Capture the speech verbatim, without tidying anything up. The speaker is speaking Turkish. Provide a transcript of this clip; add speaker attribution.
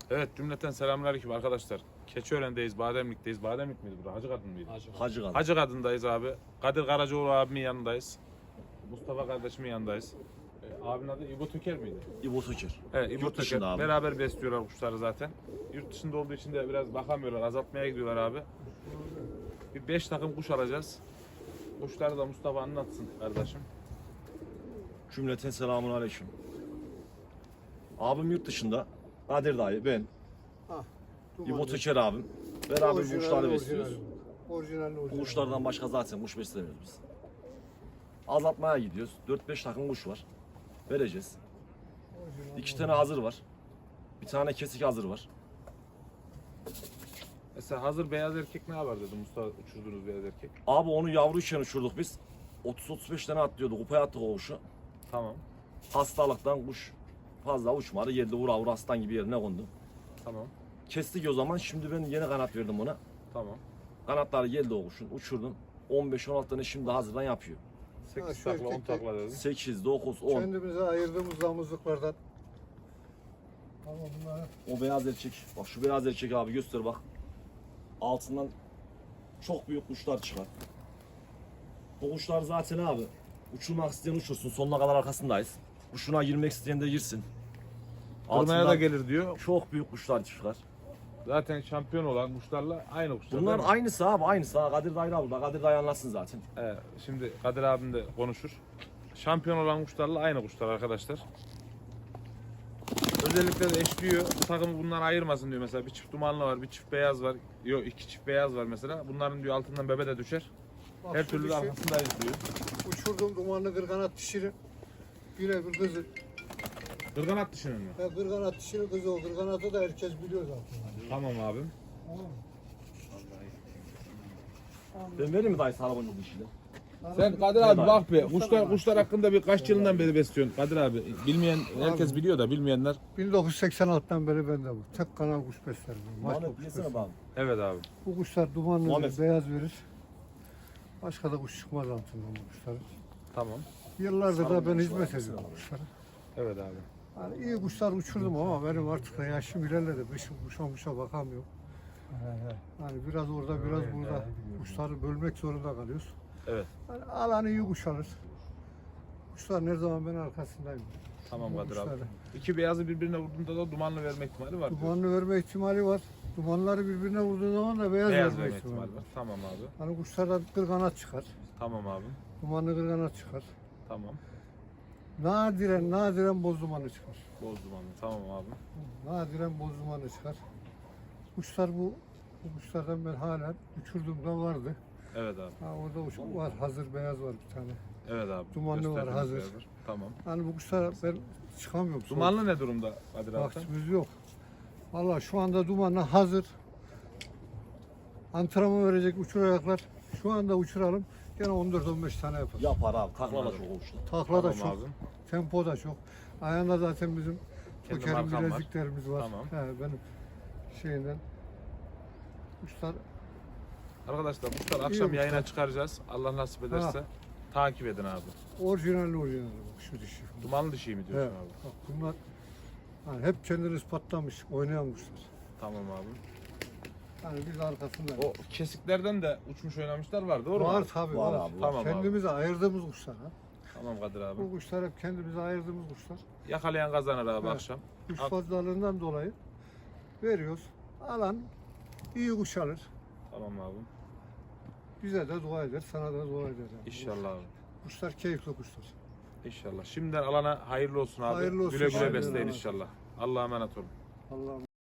Speaker 1: Evet, cümleten selamünaleyküm arkadaşlar. Keçiören'deyiz, Bademlik'teyiz. Bademlik miydi burası? Hacı Kadın mıydı?
Speaker 2: Hacı.
Speaker 3: Hacı Kadın.
Speaker 1: Hacı Kadın'dayız abi. Kadir Karacaoğlu abimin yanındayız. Mustafa kardeşimin yanındayız. Ee, abinin adı İbo Töker miydi?
Speaker 3: İbo Söker.
Speaker 1: Evet, İbo
Speaker 3: Yurt
Speaker 1: Töker.
Speaker 3: dışında abi.
Speaker 1: Beraber besliyorlar kuşları zaten. Yurt dışında olduğu için de biraz bakamıyorlar, azaltmaya gidiyorlar abi. Bir beş takım kuş alacağız. Kuşları da Mustafa anlatsın kardeşim.
Speaker 3: Cümleten selamun aleyküm. Abim yurt dışında. Kadir dayı, ben,
Speaker 2: Ah,
Speaker 3: İbo Töker abim. Beraber bu kuşları besliyoruz.
Speaker 2: Orijinal,
Speaker 3: Bu
Speaker 2: orijinal.
Speaker 3: kuşlardan başka zaten kuş beslemiyoruz biz. Azaltmaya gidiyoruz. dört beş takım kuş var. Vereceğiz.
Speaker 2: Orijinal,
Speaker 3: İki tane hazır var. Bir tane kesik hazır var.
Speaker 1: Mesela hazır beyaz erkek ne var dedi Mustafa, uçurduğunuz beyaz erkek.
Speaker 3: Abi onu yavruyken uçurduk biz. otuz otuz beş tane atlıyordu. Kupaya attık o kuşu.
Speaker 1: Tamam,
Speaker 3: Hastalıktan kuş fazla uçmadı. Yerde vura vura aslan gibi yerine kondu.
Speaker 1: tamam,
Speaker 3: Kestik o zaman. Şimdi ben yeni kanat verdim ona.
Speaker 1: tamam.
Speaker 3: Kanatları geldi o kuşun. Uçurdum. on beş on altı tane şimdi hazırdan yapıyor.
Speaker 1: sekiz
Speaker 2: Ha, şu
Speaker 1: takla, on
Speaker 2: erkek de-
Speaker 1: takla dedim.
Speaker 3: sekiz, dokuz, on.
Speaker 2: Kendimize ayırdığımız damızlıklardan. Ama bunları
Speaker 3: O beyaz erkek. Bak şu beyaz erkek abi göster bak. Altından çok büyük kuşlar çıkar. Bu kuşlar zaten abi uçurmak isteyen uçursun. Sonuna kadar arkasındayız. Kuşuna girmek isteyen de girsin.
Speaker 1: Durmaya da
Speaker 3: Altından
Speaker 1: gelir diyor.
Speaker 3: çok büyük kuşlar çıkar.
Speaker 1: Zaten şampiyon olan kuşlarla aynı kuşlar.
Speaker 3: Bunlar
Speaker 1: değil mi?
Speaker 3: aynısı abi aynısı. Ha, Kadir Dayra burada. Kadir Dayı anlatsın zaten.
Speaker 1: Evet, şimdi Kadir abim de konuşur. Şampiyon olan kuşlarla aynı kuşlar arkadaşlar. Özellikle de eşliyor. Bu takımı bundan ayırmasın diyor mesela. Bir çift dumanlı var, bir çift beyaz var. Yok, iki çift beyaz var mesela. Bunların diyor altından bebe de düşer.
Speaker 2: bak
Speaker 1: Her
Speaker 2: şu
Speaker 1: türlü de
Speaker 2: dişi,
Speaker 1: arkasındayız diyor.
Speaker 2: uçurdum dumanlı kırganat dişini. Birebir kızı.
Speaker 1: Kırganat dışının mı?
Speaker 2: Ya kırganat dişinin kızı o. Kırganatı da herkes biliyor zaten.
Speaker 1: Tamam abim.
Speaker 2: Tamam mı?
Speaker 3: Ben vereyim mi dayı sana bunu dişini?
Speaker 1: Sen Kadir abi bak be. Kuşlar kuşlar hakkında bir kaç yılından beri besliyorsun Kadir abi. Bilmeyen herkes biliyor da bilmeyenler.
Speaker 2: bin dokuz yüz seksen altıdan beri bende bu. Tek kanal kuş beslerim. ben. Başka
Speaker 3: Muhammed
Speaker 2: kuş
Speaker 3: yesene
Speaker 2: beslemem.
Speaker 3: bak.
Speaker 1: Evet abi.
Speaker 2: Bu kuşlar dumanlı
Speaker 3: Muhammed.
Speaker 2: verir, beyaz verir. Başka da kuş çıkmaz altından bu kuşların.
Speaker 1: Tamam.
Speaker 2: Yıllardır da ben
Speaker 3: Sarı
Speaker 2: hizmet
Speaker 3: kuş var,
Speaker 2: ediyorum
Speaker 3: mesela.
Speaker 2: kuşlara.
Speaker 1: Evet abi.
Speaker 2: Yani iyi kuşlar uçurdum ama benim artık da yaşım ilerledi. Kışın kuşa kuşa bakamıyorum. Yani biraz orada biraz burada kuşları bölmek zorunda kalıyoruz.
Speaker 1: Evet.
Speaker 2: Yani alan iyi kuş alır. Kuşlar her zaman ben arkasındayım.
Speaker 1: Tamam
Speaker 2: Bu
Speaker 1: Kadir abi.
Speaker 2: kuşları.
Speaker 1: İki beyazı birbirine vurduğunda da dumanlı verme ihtimali var. diyor.
Speaker 2: Dumanlı verme ihtimali var. Dumanları birbirine vurduğu zaman da beyaz,
Speaker 1: Beyaz
Speaker 2: verme
Speaker 1: verme
Speaker 2: ihtimali
Speaker 1: ihtimali
Speaker 2: var.
Speaker 1: var. Tamam abi.
Speaker 2: Hani kuşlardan kırganat çıkar.
Speaker 1: Tamam abi.
Speaker 2: Dumanlı kırganat çıkar.
Speaker 1: Tamam.
Speaker 2: Nadiren nadiren boz dumanı çıkar.
Speaker 1: Boz dumanlı. Tamam abi.
Speaker 2: Nadiren boz dumanı çıkar. Kuşlar bu, bu kuşlardan ben hala uçurduğumda vardı.
Speaker 1: Evet abi.
Speaker 2: Ha, orada uç var, hazır beyaz var bir tane.
Speaker 1: Evet abi.
Speaker 2: Dumanlı var,
Speaker 1: Gösterdiğiniz
Speaker 2: hazır.
Speaker 1: beyazlar. Tamam.
Speaker 2: Hani bu kuşlar ben çıkamıyorum.
Speaker 1: Dumanlı ne durumda Kadir abi?
Speaker 2: Vaktimiz yok. Vallahi şu anda dumanlı hazır. Antrenman verecek uçuracaklar. Şu anda uçuralım. Gene on dört on beş tane yapar.
Speaker 3: Yapar abi. Takla da
Speaker 1: Anladım.
Speaker 3: çok olmuştu.
Speaker 2: Takla da
Speaker 1: Tamam
Speaker 2: çok,
Speaker 1: abi.
Speaker 2: tempo da çok. Ayağında zaten bizim
Speaker 1: Kendi
Speaker 2: Toker'in
Speaker 1: markam var.
Speaker 2: bileziklerimiz var.
Speaker 1: Tamam.
Speaker 2: He, benim şeyinden. Kuşlar
Speaker 1: Arkadaşlar kuşlar akşam
Speaker 2: kuşlar.
Speaker 1: yayına çıkaracağız. Allah nasip ederse.
Speaker 2: Ha.
Speaker 1: Takip edin abi.
Speaker 2: orijinal orijinal bak şu dişi.
Speaker 1: Dumanlı dişi mi
Speaker 2: He,
Speaker 1: diyorsun abi?
Speaker 2: bak bunlar hani hep kendini ispatlamış oynayan kuşlar.
Speaker 1: Tamam abi.
Speaker 2: Yani biz arkasında.
Speaker 1: O kesiklerden de uçmuş oynamışlar var doğru mu?
Speaker 2: var
Speaker 1: abi?
Speaker 2: tabii
Speaker 3: Var
Speaker 2: var.
Speaker 3: abi, var.
Speaker 1: Tamam abi.
Speaker 2: Kendimize ayırdığımız kuşlar ha.
Speaker 1: Tamam Kadir abi.
Speaker 2: Bu kuşlar hep kendimize ayırdığımız kuşlar.
Speaker 1: Yakalayan kazanır abi
Speaker 2: Evet.
Speaker 1: akşam.
Speaker 2: Kuş
Speaker 1: Al.
Speaker 2: fazlalığından dolayı veriyoruz. Alan iyi kuş alır.
Speaker 1: Tamam abi.
Speaker 2: Bize de dua eder, sana da dua eder. Yani.
Speaker 1: İnşallah abi.
Speaker 2: Kuşlar keyifli kuşlar.
Speaker 1: İnşallah. Şimdiden alana hayırlı olsun abi.
Speaker 2: Hayırlı olsun.
Speaker 1: Güle güle
Speaker 2: Hayırlı
Speaker 1: besleyin
Speaker 2: olsun.
Speaker 1: inşallah. Allah'a emanet olun.
Speaker 2: Allah'ım.